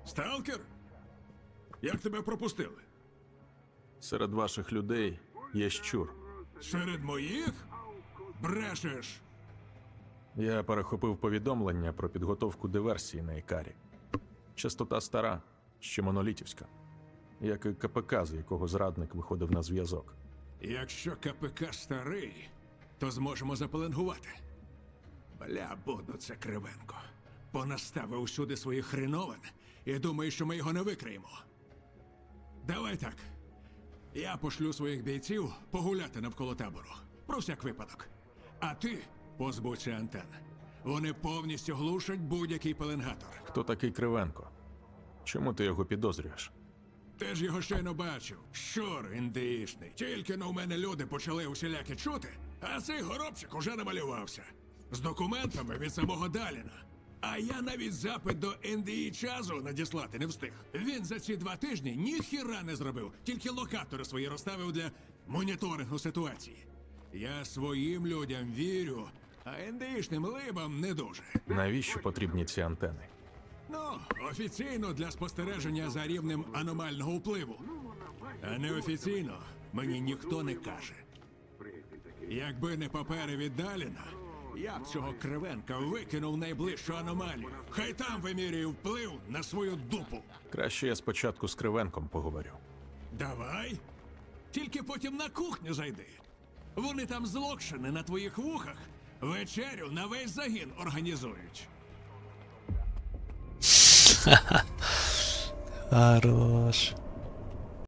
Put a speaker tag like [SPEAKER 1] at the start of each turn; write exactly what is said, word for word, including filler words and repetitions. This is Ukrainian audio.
[SPEAKER 1] Сталкер? Як тебе пропустили?
[SPEAKER 2] Серед ваших людей є щур.
[SPEAKER 1] Серед моїх? Брешеш.
[SPEAKER 2] Я перехопив повідомлення про підготовку диверсії на Ікарі. Частота стара, ще монолітівська. Як і КПК, з якого зрадник виходив на зв'язок.
[SPEAKER 1] Якщо КПК старий, то зможемо запеленгувати. Бля, буду це Кривенко. Понаставив усюди своїх хреновин і думає, що ми його не викриємо. Давай так. Я пошлю своїх бійців погуляти навколо табору. Про всяк випадок. А ти позбудься антен. Вони повністю глушать будь-який пеленгатор.
[SPEAKER 2] Хто такий Кривенко? Чому ти його підозрюєш?
[SPEAKER 1] Ти ж його щойно бачив. Щур індиїшний. Тільки на у мене люди почали усіляки чути, а цей горобчик уже намалювався. З документами від самого Даліна. А я навіть запит до ен де і часу надіслати не встиг. Він за ці два тижні ніхіра не зробив, тільки локатори свої розставив для моніторингу ситуації. Я своїм людям вірю, а ен де ішним либам не дуже.
[SPEAKER 2] Навіщо потрібні ці антени?
[SPEAKER 1] Ну, офіційно для спостереження за рівнем аномального впливу. А неофіційно мені ніхто не каже. Якби не папери від Даліна, я б цього Кривенка викинув в найближчу аномалію. Хай там вимірює вплив на свою дупу.
[SPEAKER 2] Краще я спочатку з Кривенком поговорю.
[SPEAKER 1] Давай. Тільки потім на кухню зайди. Вони там з Локшини на твоїх вухах вечерю на весь загін організують.
[SPEAKER 3] Хорош.